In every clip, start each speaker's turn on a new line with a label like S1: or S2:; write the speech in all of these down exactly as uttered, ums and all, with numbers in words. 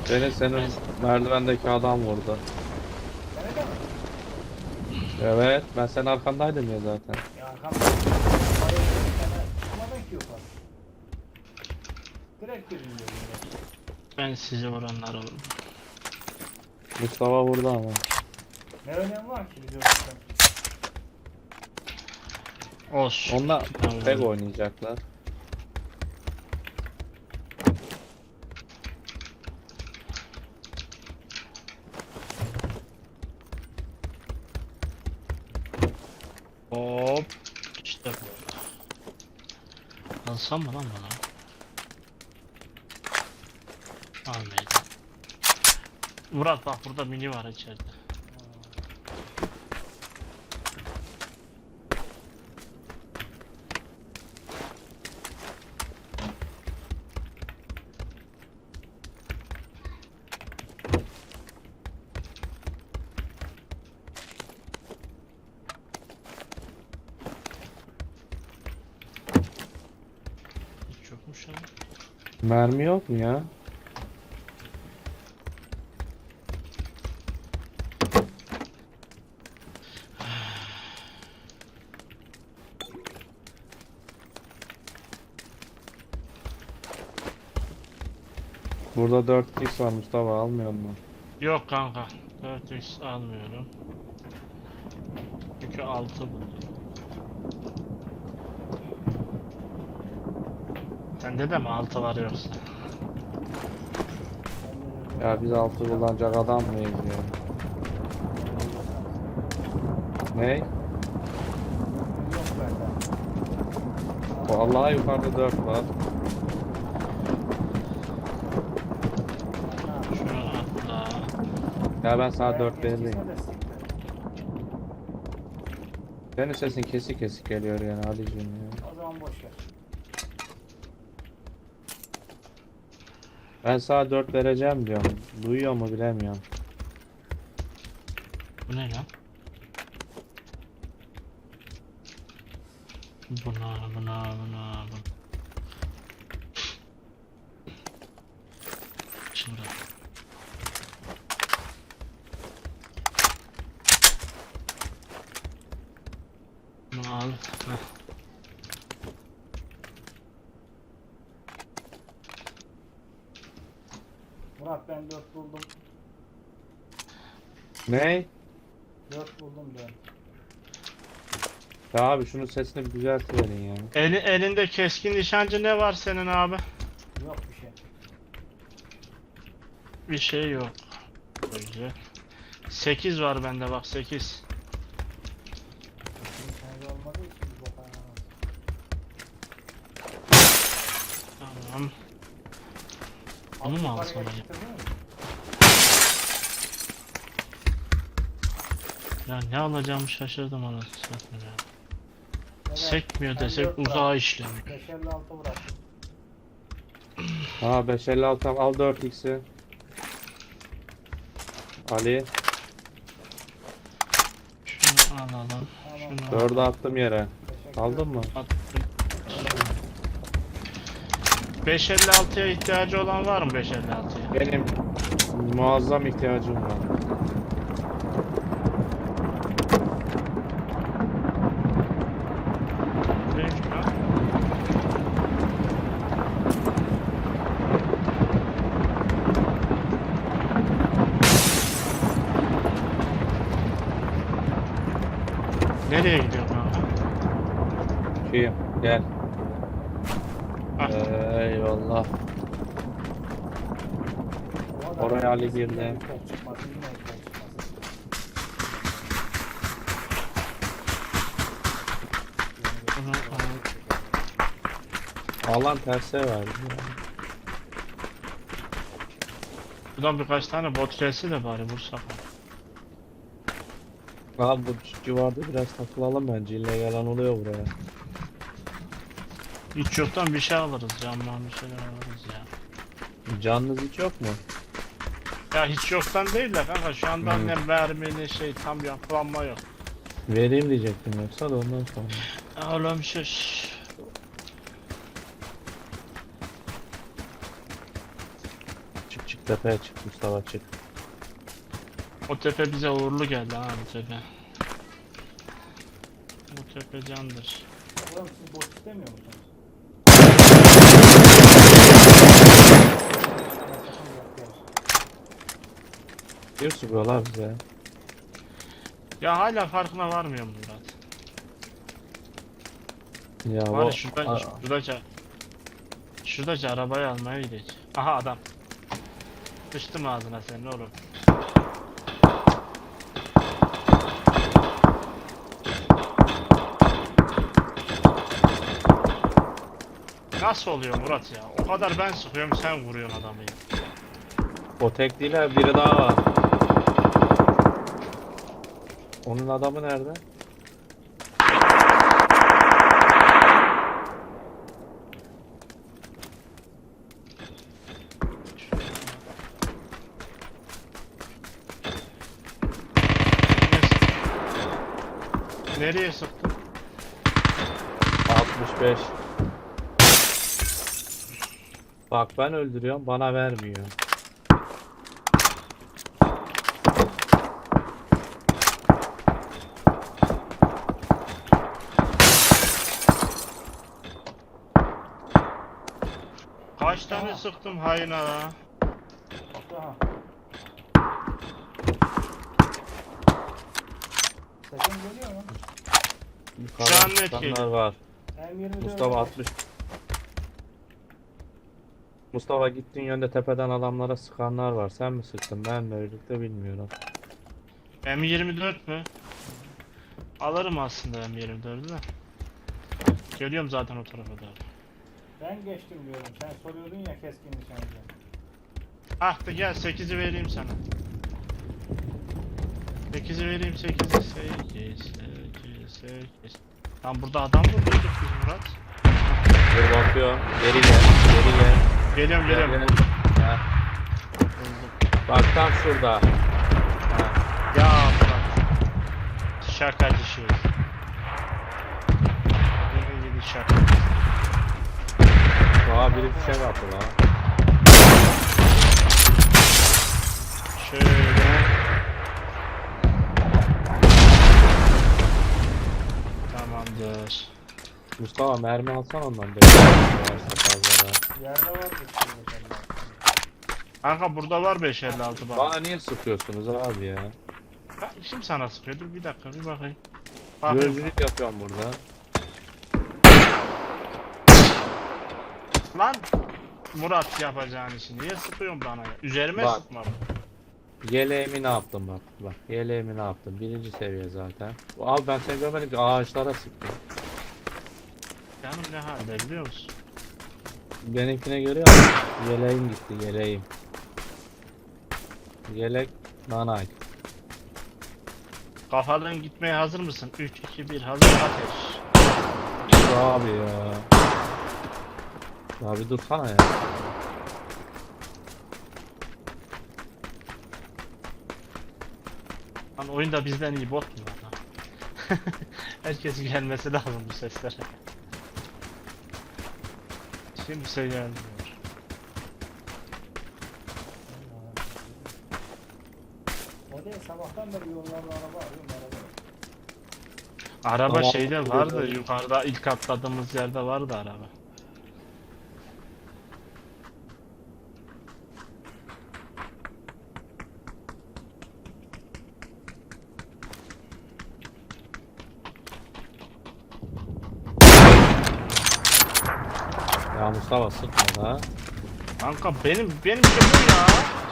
S1: Beni senin merdivendeki adam vurdu.
S2: Nerede mi?
S1: Evet, ben senin arkandaydım ya zaten.
S2: Ya arkamda. Parayı bir tane tutmadın ki yukarı. Direkt girdim gözümle.
S3: Ben sizi vuranlar oldum.
S1: Mustafa vurdu ama.
S2: Ne önemi var ki bize orada?
S3: Olsun.
S1: Onlar
S3: Ben
S1: tek
S3: vurdum.
S1: oynayacaklar.
S3: Hop. İşte bu. Alsam mı lan bana? Almayacağım. Murat bak burada mini var içeride. Hiç yokmuş ya.
S1: Mermi yok mu ya? Burada dört x var Mustafa, almıyor mu?
S3: Yok kanka. dört x almıyorum. Çünkü altı buldum. Sende de mi altı var yoksa?
S1: Ya biz altı kullanacak adam mıyız ya? Ne?
S2: Yok bende.
S1: Vallahi yukarıda dört var.
S3: Şunu atla.
S1: Ya ben sana dört
S2: Eskiyse
S1: vereyim.
S2: de siktir.
S1: Senin sesin kesik kesik geliyor yani Ali'cim ya.
S2: O zaman boş ver.
S1: Ben sana dört vereceğim diyorum. Duyuyor mu bilemiyorum.
S3: Bu ne lan? Buna buna buna buna. Şimdi. Bunu al. Heh.
S2: Murat ben dört buldum.
S1: Ne?
S2: Dört buldum ben.
S1: Ya abi şunun sesini bir düzeltiverin ya.
S3: Eli, elinde keskin nişancı ne var senin abi?
S2: Yok bir şey.
S3: Bir şey yok. Böyle. sekiz var bende bak sekiz.
S2: Nişancı olmadığı için bir bok anlamaz.
S3: Tamam. Onu mu alsam acaba? Ya ne alacağımı şaşırdım anasını satayım ya. Sekmiyor desek uzağa işlemiyor.
S2: beş elli altı bıraktım.
S1: Ha beş elli altı al dört x'i. Ali
S3: Şunu alalım.
S2: Tamam.
S3: Şunu
S1: dördü
S3: alalım.
S1: attım yere.
S2: Teşekkür
S1: Aldın mı?
S3: Attım. beş elli altıya ihtiyacı olan var mı beş elli altıya?
S1: Benim muazzam ihtiyacım var.
S3: Neymiş lan? Nereye gidiyor kanka?
S1: Şeyim gel.
S3: Ah.
S1: Eyvallah. Oraya Ali girdi.
S2: Çıkmasın yine ekran çıkmasın.
S3: Bunu alalım.
S1: Alan terse verdi ya.
S3: Buradan birkaç tane bot gelse de bari vursak.
S1: Abi bu civarda biraz takılalım bence. İllegal oluyor buraya.
S3: Hiç yoktan bir şey alırız camdan bir şeyler alırız ya.
S1: Canınız hiç yok mu?
S3: Ya hiç yoktan değil de kanka şu anda
S1: Hmm.
S3: ne mermi ne şey tam yapılanma yok.
S1: Vereyim diyecektim yoksa da ondan sonra.
S3: Oğlum şuş.
S1: Çık çık. Tepeye çık Mustafa, çık.
S3: O tepe bize uğurlu geldi ha, bu tepe. Bu tepe candır.
S2: Oğlum siz boş istemiyor musunuz?
S1: Bir sıkıyorlar bize.
S3: Ya hala farkına varmıyor mu Murat?
S1: Ya
S3: Var ya
S1: o
S3: şurada,
S1: Aa,
S3: şuradaca Şuradaca arabayı almaya gidecek. Aha adam. Sıçtım ağzına senin oğlum. Nasıl oluyor Murat ya? O kadar ben sıkıyorum, sen vuruyorsun adamı ya.
S1: o tek değil ha, biri daha var. Onun adamı nerede?
S3: Nereye sıktın?
S1: altmış beş. Bak ben öldürüyorum, bana vermiyor.
S3: Kaç tane sıktım hain ha?
S2: Aha. Sesim geliyor mu?
S1: Yukarıdan
S3: Şu an net
S1: çıkanlar
S3: geliyor.
S1: var.
S2: M yirmi dört
S1: Mustafa altmış. Mustafa gittiğin yönde tepeden adamlara sıkanlar var. Sen mi sıktın, ben mi öldük bilmiyorum.
S3: M yirmi dört mü? Alırım aslında M yirmi dördü de. Geliyorum zaten o tarafa doğru.
S2: Ben geçtim diyorum. Sen soruyordun ya keskin nişancı.
S3: Ah da gel sekizi vereyim sana. sekizi vereyim, sekizi. sekiz, sekiz, sekiz. Tam burada adam mı bulduk biz Murat?
S1: Dur bakıyorum. Geri gel. Geri gel.
S3: Geliyorum
S1: Gel,
S3: geliyorum.
S1: gel. Ha,
S3: Buldum.
S1: bak tam şurada. Ha.
S3: Ya Murat. Şakacı şey. Yine yedi şaka.
S1: Aa, biri bir şey yaptı lan.
S3: Şöyle. Tamamdır.
S1: Mustafa mermi alsan ondan. Beş varsa fazla.
S2: Yerde var bir şey mesela.
S3: Kanka burada var beş elli altı bak.
S1: Bana niye sıkıyorsunuz abi ya?
S3: Ha, Kim sana sıkıyor? Dur bir dakika bir bakayım. Bakayım.
S1: Gözlülük yapıyorum burada.
S3: Lan Murat yapacağın işi niye sıkıyorsun bana ya? Üzerime
S1: Bak.
S3: sıkma.
S1: Yeleğimi ne yaptım bak. Bak yeleğimi ne yaptım. Birinci seviye zaten. Abi ben seni görmedim ki, ağaçlara sıktım.
S3: Canım ne halde biliyor musun?
S1: Benimkine görüyor musun? Yeleğim gitti, yeleğim. Yelek nanay.
S3: Kafalığın gitmeye hazır mısın? üç iki bir hazır ateş.
S1: Abi ya. Abi dursana ya.
S3: Lan oyunda bizden iyi bot mu var lan? Herkesin gelmesi lazım bu seslere. Kimse gelmiyor.
S2: O değil sabahtan beri yollarda araba arıyorum araba. yok.
S3: Araba
S1: Tamam.
S3: şeyde vardı, yukarıda ilk atladığımız yerde vardı araba.
S1: Ya Mustafa sıkma da.
S3: Kanka benim benim şey bu ya.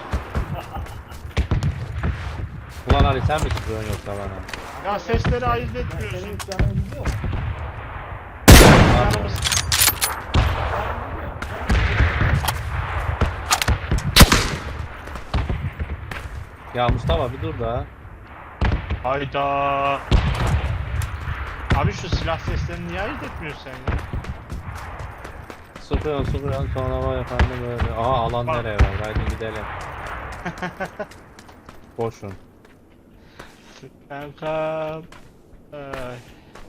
S1: Ulan Ali sen mi sıkıyorsun yoksa bana?
S3: Ya sesleri ayırt
S2: Ben
S3: etmiyorsun.
S2: senin hiç canını biliyor musun?
S3: Canımız.
S1: Ya Mustafa bir dur da.
S3: Hayda. Abi şu silah seslerini niye ayırt etmiyorsun sen ya?
S1: Sıkıyorsun sıkıyorsun sonra var efendim böyle. Aa alan
S3: Bak.
S1: nereye var? Haydi gidelim. Boşun.
S3: Kanka. Ay.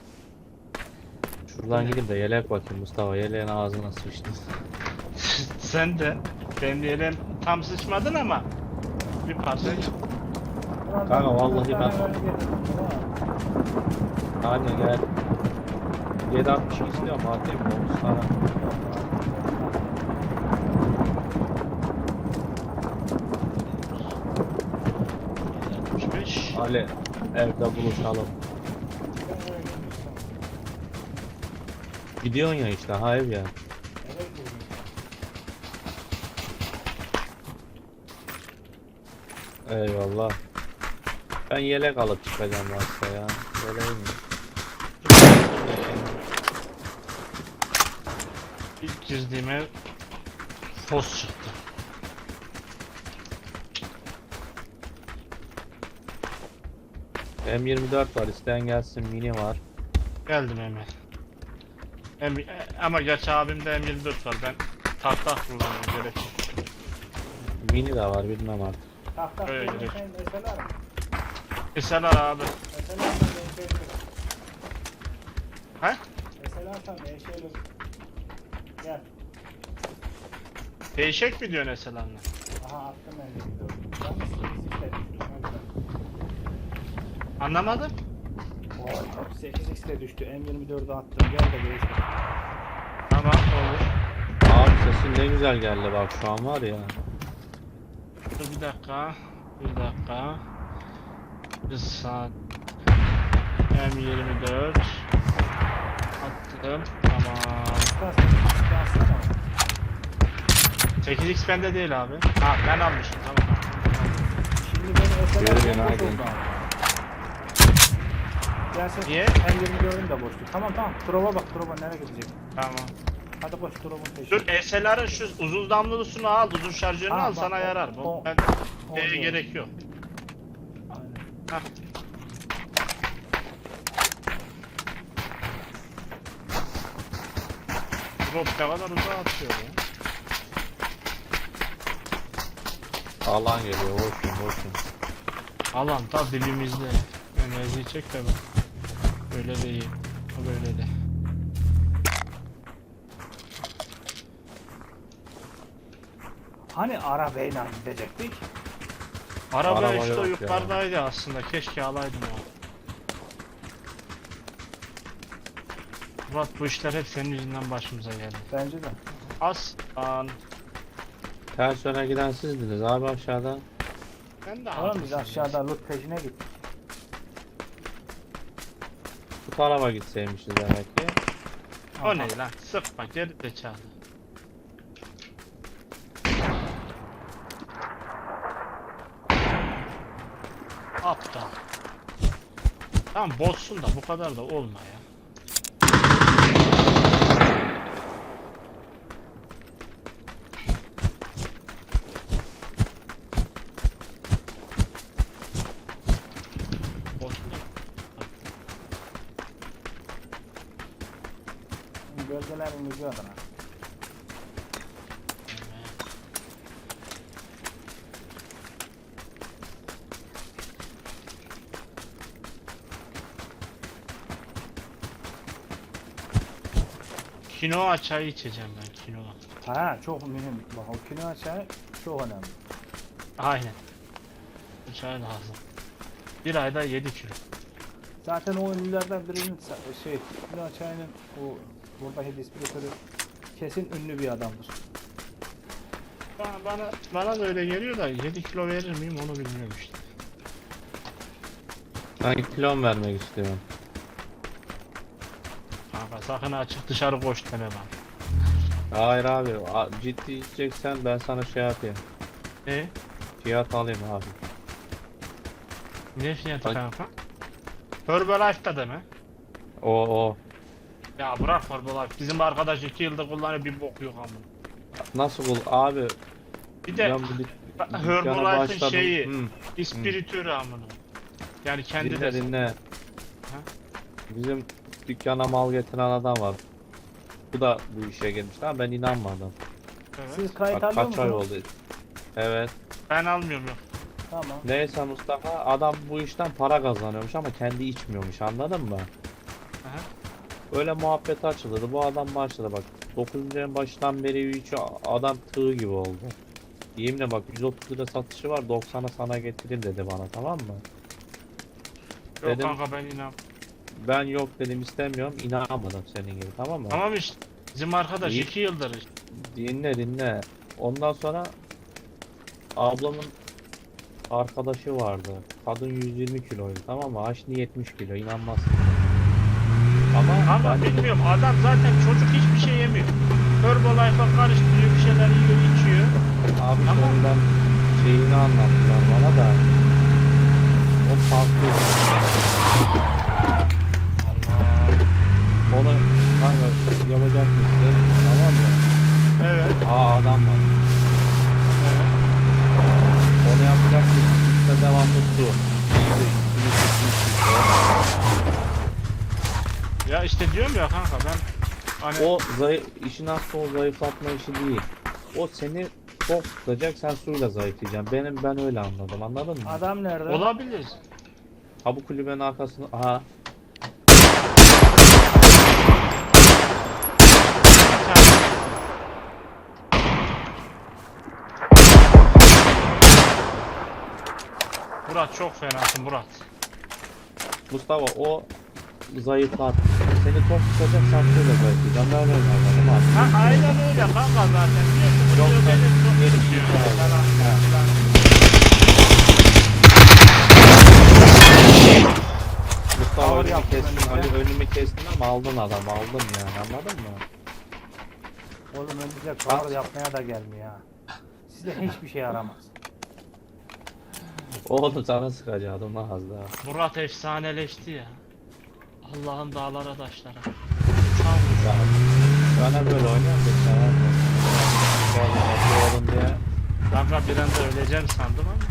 S1: Şuradan gidip de yelek bakayım Mustafa. Yeleğin ağzına sıçtı.
S3: Sen de benim yerim tam sıçmadın ama bir parça.
S2: Murat
S1: Kanka,
S2: abi,
S1: vallahi
S2: bir tane
S1: ben-
S2: böyle getirdim, Murat.
S1: Hadi gel. yedi altmış istiyorum atayım mı? otuz tane.
S3: altmış beş.
S1: Ali evde buluşalım.
S2: Ben öyle gelmiştim.
S1: Gidiyorsun ya işte ha ev ya.
S2: Evet bugün.
S1: Eyvallah. Ben yelek alıp çıkacağım varsa ya. Yeleğim mi?
S3: İlk girdiğime fos çıktı.
S1: M yirmi dört var, isteyen gelsin, mini var.
S3: Geldim hemen. M e, ama geç abimde M yirmi dört var. Ben tahta kullanıyorum gerek yok.
S1: Mini de var, bilmem artık.
S2: Tak tak
S3: Öyle
S2: dediğin
S3: direkt.
S2: şey mesela mı?
S3: Mesela abi.
S2: Mesela ben değişelim.
S3: He?
S2: Mesela sen değişelim. Gel.
S3: Değişik mi diyor mesela anne?
S2: Aha attım ben de gidiyorum. Ben de sekiz x'te düştüm.
S3: Anlamadım.
S2: Oy, sekiz x'te düştü. M yirmi dördü attım. Gel de değiştir.
S3: Tamam olur.
S1: Abi sesin ne güzel geldi bak şu an var ya.
S3: Dur bir dakika. Bir dakika. Bir saat. M yirmi dört. Attım. Tamam.
S2: Biraz sekiz x'te atsana.
S3: sekiz x bende değil abi. Ha ben almışım tamam.
S2: Şimdi beni mesela
S1: Yürü,
S2: boş
S1: günaydın.
S2: oldu abi. Gelse
S3: Niye?
S2: M yirmi dördün de boştu. Tamam tamam. Drop'a bak. Drop'a nereye gidecek?
S3: Tamam.
S2: Hadi koş drop'un peşine.
S3: Dur S L R'ın şu uzun damlulusunu al, uzun şarjörünü
S2: Ha,
S3: al
S2: bak,
S3: sana
S2: o-
S3: yarar. Bu
S2: o-
S3: ben
S2: o
S3: D'ye
S2: diyor.
S3: gerek yok.
S2: Aynen.
S3: Hah. Drop ne kadar uzağa atıyor ya.
S1: Alan geliyor, boşun boşun.
S3: Alan da dibimizde. Enerjiyi çek de bak. Böyle de iyi. O böyle de.
S2: Hani arabayla gidecektik?
S3: Araba,
S1: Araba
S3: işte
S1: yok ya.
S3: yukarıdaydı aslında. Keşke alaydım o. Murat bu işler hep senin yüzünden başımıza geldi.
S2: Bence de.
S3: Aslan.
S1: Ters yöne giden sizdiniz abi aşağıda.
S3: Ben de
S2: Oğlum biz
S3: haklısın
S2: aşağıda loot peşine gittik.
S1: Bu tarafa gitseymişiz demek ki.
S3: ya. O ne lan? Sıkma geri zekalı. Aptal. Tamam bozsun da bu kadar da olma ya. Bozsun da.
S2: Gölgelerin gücü adına.
S3: Kinoa çayı içeceğim ben kinoa.
S2: Ha çok mühim. Bak o kino çayı çok önemli.
S3: Aynen. Bu çay lazım. Bir ayda yedi kilo.
S2: Zaten o ünlülerden birinin sa- şey kino çayının o buradaki distribütörü kesin ünlü bir adamdır.
S3: Bana, bana, bana da öyle geliyor da yedi kilo verir miyim onu bilmiyorum işte.
S1: Ben kilon vermek istiyorum.
S3: Kanka sakın açık dışarı koş deme bana.
S1: Hayır abi, a- ciddi içeceksen ben sana şey yapayım.
S3: Ne?
S1: Fiyat alayım abi.
S3: Ne fiyatı
S1: Ay.
S3: kanka? Herbalife'da deme.
S1: O o.
S3: Ya bırak Herbalife. Bizim arkadaş iki yıldır kullanıyor bir bok yok amına.
S1: Nasıl bul abi?
S3: Bir de
S1: Ben bu dük-
S3: bak,
S1: dükkana
S3: Herbalife'ın
S1: başladım.
S3: şeyi
S1: Hı.
S3: ispiritörü amına. Yani kendi
S1: Dinle
S3: de
S1: dinle. Bizim dükkana mal getiren adam var. Bu da bu işe girmiş ama ben inanmadım.
S3: Evet.
S2: Siz kayıt
S1: Bak
S2: alıyor
S1: kaç ay
S2: musunuz?
S1: oldu. Evet.
S3: Ben almıyorum yok.
S2: Tamam.
S1: Neyse Mustafa, adam bu işten para kazanıyormuş ama kendi içmiyormuş, anladın mı?
S3: Aha.
S1: Öyle muhabbet açıldı. Bu adam başladı bak. dokuzuncu ayın başından beri içiyor. Adam tığ gibi oldu. Yeminle bak yüz otuz lira satışı var, doksana sana getireyim dedi bana, tamam mı?
S3: Yok
S1: Dedim-
S3: kanka ben inan.
S1: Ben yok dedim, istemiyorum, inanamadım senin gibi, tamam mı?
S3: Tamam işte. Bizim arkadaş
S1: İyi.
S3: iki yıldır işte.
S1: Dinle dinle. Ondan sonra ablamın arkadaşı vardı. Kadın yüz yirmi kiloydu, tamam mı? Aşni yetmiş kilo, inanmazsın. Ama
S3: Ama
S1: ben
S3: bilmiyorum adam zaten çocuk hiçbir şey yemiyor. Herbalife'a karıştırıyor bir şeyler yiyor içiyor.
S1: abi
S3: Ama-
S1: sonradan şeyini anlattılar bana da. O farklı. Onu kanka yapacak mısın? Tamam mı?
S3: Evet.
S1: Aa adam var.
S3: Evet.
S1: Onu yapacak mısın? İşte devamlı su. İyi de üstünü tutmuş.
S3: Ya işte diyorum ya kanka ben hani
S1: O zayıf, işin aslı o zayıflatma işi değil. O seni tok tutacak, sen suyla zayıflayacaksın. Benim ben öyle anladım, anladın mı?
S2: Adam nerede?
S3: olabilir.
S1: Ha bu kulübenin arkasında, aha
S3: Bir tane- Murat çok fenasın Murat.
S1: Mustafa o zayıflat. Seni tok tutacak, sen suyla zayıflayacaksın. Ben öyle anladım abi.
S3: Ha aynen öyle kanka zaten. Diyorsun bu
S1: Yok,
S3: diyor
S1: ben
S3: beni çok
S1: yeni
S3: tutuyor
S1: bir şey
S3: falan
S1: aldım.
S3: filan.
S1: Mustafa
S2: Ağır
S1: önümü
S2: yaptın
S1: kestin,
S2: önüme.
S1: hani önümü kestin ama aldın adam, aldın yani, anladın mı?
S2: Oğlum önümüze cover yapmaya da gelmiyor ha. Size hiçbir şey yaramaz.
S1: Oğlum sana sıkacaktım lan az daha.
S3: Murat efsaneleşti ya. Allah'ın dağlara taşlara. Uçan
S1: Ya, bana böyle oynuyorum da sen yapma. Gel oğlum diye.
S3: kanka bir anda öleceğim sandım ama.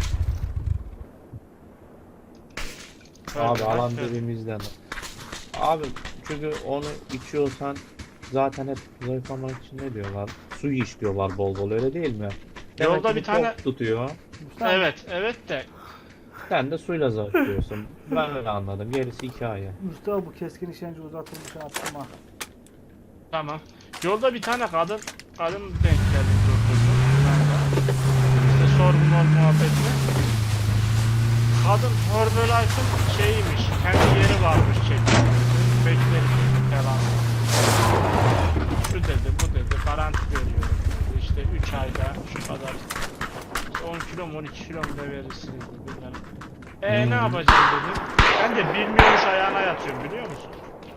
S1: Abi
S3: Öyle,
S1: alan
S3: öyle.
S1: dibimizden. Abi çünkü onu içiyorsan zaten hep zayıflamak için ne diyorlar? Su iç diyorlar bol bol, öyle değil mi? Demek
S3: Yolda
S1: ki
S3: bir
S1: bu
S3: tane-
S1: tok tutuyor.
S2: Mustafa,
S3: Evet evet de
S1: Sen de suyla zayıflıyorsun. Ben öyle anladım. Gerisi hikaye.
S2: Mustafa bu keskin işkence uzatılmış attım ha.
S3: tamam. Yolda bir tane kadın kadın denk geldi durdurdu. İşte sorgu mor muhabbetine. Kadın Herbalife'ın şeyiymiş. Kendi yeri varmış çekti. Bekleri falan. Şu dedi bu dedi garanti veriyorum. İşte üç ayda şu kadar işte on kilo mu on iki kilo mu da verirsiniz dedi. Eee
S1: Hmm.
S3: ne yapacağım dedim. Ben de bilmiyormuş ayağına yatıyorum biliyor musun?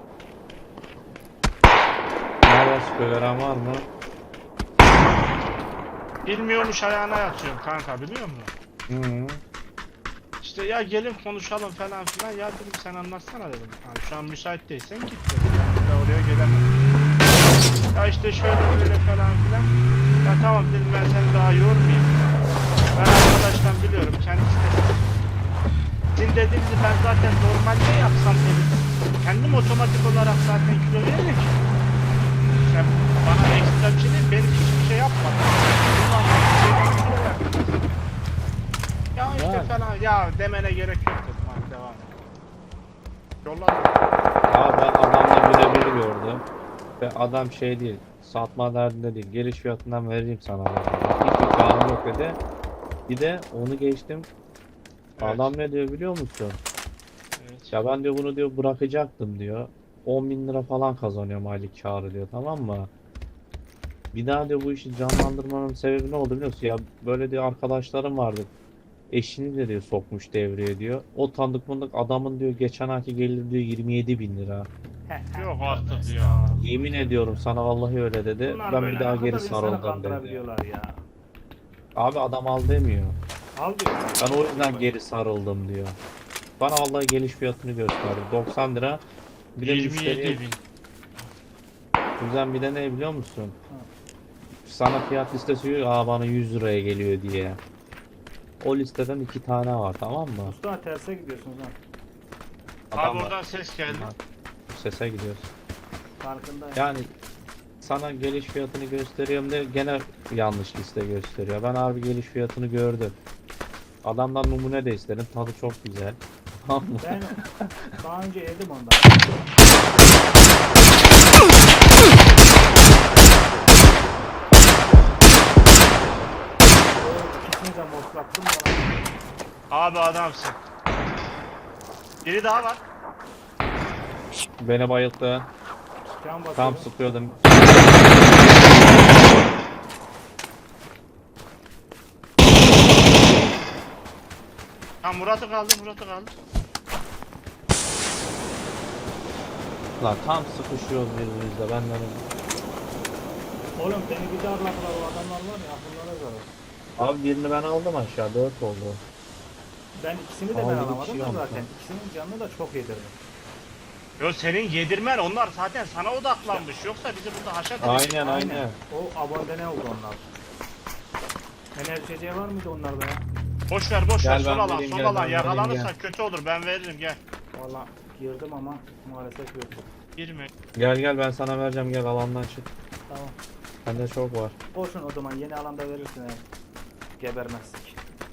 S1: Nerede sıkıyor, veren var mı?
S3: Bilmiyormuş ayağına yatıyorum kanka biliyor musun?
S1: Hı.
S3: İşte ya gelin konuşalım falan filan ya dedim sen anlatsana dedim. Yani şu an müsait değilsen git dedim. Ben de oraya gelemem. Ya işte şöyle böyle falan filan. Ya tamam dedim ben seni daha yormayayım. Ben arkadaştan biliyorum kendisi de. Sizin dediğinizi ben zaten normalde yapsam dedim. Kendim otomatik olarak zaten kilo veririm ki. Sen bana ekstra bir şey değil, benim hiçbir şey yapmadım. Bundan sonra bir şeyden kilo verdim. Ya işte
S1: Yani.
S3: falan ya demene gerek yok dedim hadi devam et. Yolladım.
S1: Abi ben adamla birebir gördüm. Ve adam şey değil, satma derdinde değil. Geliş fiyatından veririm sana. Hiç imkanım yok dedi. Bir de onu geçtim.
S3: Evet.
S1: Adam ne diyor biliyor musun?
S3: Evet.
S1: Ya ben diyor bunu diyor bırakacaktım diyor. on bin lira falan kazanıyorum aylık karı diyor, tamam mı? Bir daha diyor bu işi canlandırmanın sebebi ne oldu biliyor musun? Ya böyle diyor arkadaşlarım vardı. Eşini de diyor sokmuş devreye diyor. O tanıdık mındık adamın diyor geçen ayki gelir diyor yirmi yedi bin lira.
S3: Yok artık ya.
S1: Yemin ediyorum sana vallahi öyle dedi.
S2: Bunlar
S1: Ben
S2: böyle
S1: bir daha
S2: ne
S1: geri
S2: kadar insanı
S1: sarıldım dedi.
S2: kandırabiliyorlar ya.
S1: Abi adam al demiyor.
S2: Al diyor.
S1: Ben o yüzden geri sarıldım diyor. Bana vallahi geliş fiyatını gösterdi. doksan lira. Bir de
S3: yirmi
S1: müşteriye
S3: yedi bin.
S1: güzel bir de ne biliyor musun? Sana fiyat listesi diyor, aa bana yüz liraya geliyor diye. O listeden iki tane var, tamam mı?
S2: Mustafa terse gidiyorsunuz ha.
S3: Abi
S1: Adam var.
S3: oradan ses geldi.
S1: Sese gidiyoruz.
S2: Farkındayım.
S1: Yani sana geliş fiyatını gösteriyorum de gene yanlış liste gösteriyor. Ben harbi geliş fiyatını gördüm. Adamdan numune de istedim. Tadı çok güzel. Tamam mı?
S2: Ben daha önce yedim ondan. Bakınca moslattım bana.
S3: Abi adamsın. Biri daha var.
S1: Beni bayılttı.
S2: Can basıyor.
S1: Tam sıkıyordum.
S3: Ha Murat'ı kaldı, Murat'ı kaldı.
S1: Lan tam sıkışıyoruz birbirimizle benden.
S2: Oğlum beni bir darladılar o adamlar var ya akıllara zarar.
S1: Abi birini ben aldım aşağı, dört oldu.
S2: Ben ikisini de ben
S1: Aldı bir
S2: alamadım
S1: şey
S2: da
S1: aldı.
S2: zaten. İkisinin canını da çok yedirdim.
S3: Yo senin yedirmen onlar zaten sana odaklanmış. Yoksa bizi burada haşat edecek.
S1: Aynen aynen.
S2: O abonde ne oldu onlar? Enerji var mıydı onlarda ya?
S3: Boş ver boş ver
S1: Gel
S3: sol
S1: ben
S3: alan
S1: vereyim,
S3: sol
S1: gel
S3: alan
S1: ben vereyim,
S3: yakalanırsa
S1: gel.
S3: kötü olur ben veririm gel.
S2: Valla girdim ama maalesef yok.
S3: Girme.
S1: Gel gel ben sana vereceğim, gel alandan çık.
S2: Tamam.
S1: Bende çok var.
S2: Olsun o zaman yeni alanda verirsin eğer gebermezsek.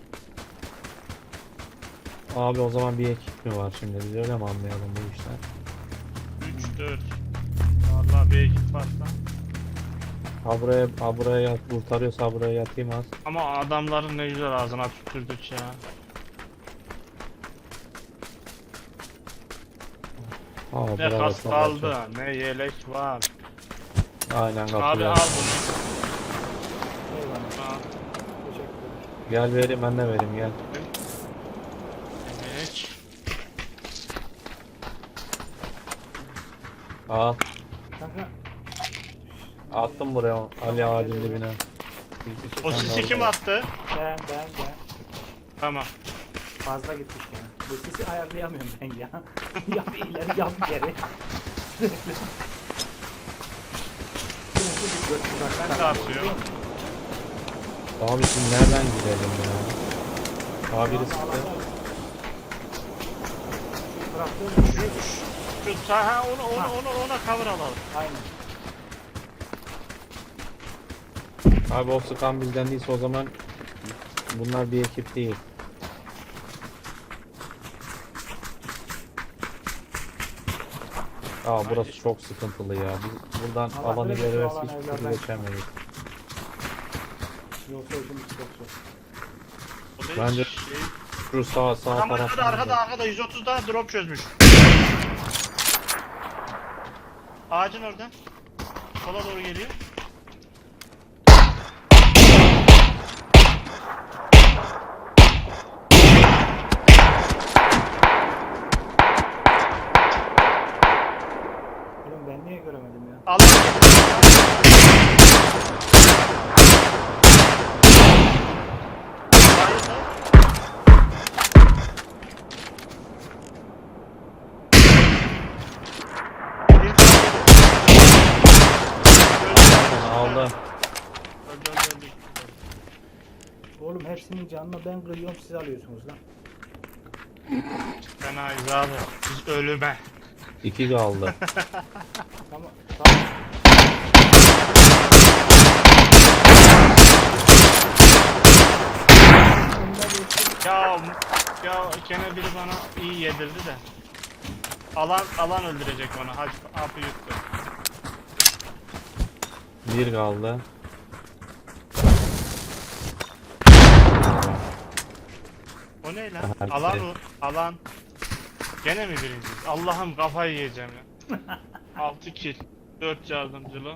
S1: Abi o zaman bir ekip mi var şimdi, biz öyle mi anlayalım bu işler?
S3: üç dört. Vallahi bir ekip varsa.
S1: Ha buraya, ha buraya yat, kurtarıyorsa ha buraya yatayım az.
S3: Ama adamların ne güzel ağzına tükürdük ya.
S1: Ha
S3: Ne
S1: buraya
S3: kas
S1: basma
S3: kaldı,
S1: bakacağım.
S3: ne yelek var.
S1: Aynen
S3: Abi
S1: katılıyorum.
S3: al bunu.
S2: Eyvallah.
S3: Al.
S2: Teşekkür ederim.
S1: Gel vereyim, ben de vereyim, gel.
S3: Evet.
S1: Al.
S2: Kanka
S1: Attım buraya Ali ağacın dibine.
S3: O sisi kim attı?
S2: ben ben ben
S3: Tamam.
S2: fazla gitmiş yani. Bu sesi ayarlayamıyorum ben ya. Yap ileri yap geri.
S3: Ben de atıyorum.
S1: Abi şimdi nereden gidelim ya? Abi biri sıktı.
S2: Bıraktım.
S3: Şu, şu ta- ha onu onu onu ona cover alalım.
S2: Aynen.
S1: Abi o sıkan bizden değilse o zaman bunlar bir ekip değil. Aa burası çok sıkıntılı ya. Biz buradan
S2: Allah
S1: alanı
S2: bilir, şu
S1: görürsek
S2: alan
S1: hiçbir türlü
S2: evlerden-
S1: geçemeyiz.
S2: Yoksa işimiz çok zor.
S3: O da
S1: Bence-
S3: şey-
S1: Şu sağ sağ
S3: Tam
S1: taraftan.
S3: arkada arkada arkada yüz otuz daha drop çözmüş. Ağacın oradan. Sola doğru geliyor.
S2: Oğlum ben niye göremedim ya?
S3: Allah.
S1: Aldı.
S3: Öldü, öldü, öldü.
S2: Oğlum hepsinin canını ben kırıyorum siz alıyorsunuz lan.
S3: Fenayız abi. Biz ölüme.
S1: İki kaldı.
S2: Tamam tamam. Önüne geçtim.
S3: Ya ya gene biri bana iyi yedirdi de. Alan alan öldürecek onu. Hadi hapı yuttu.
S1: Bir kaldı.
S3: O ne lan?
S1: Hadi.
S3: Alan o. Alan. Gene mi birinciyiz? Allah'ım kafayı yiyeceğim ya. altı kill. dört yardımcılı.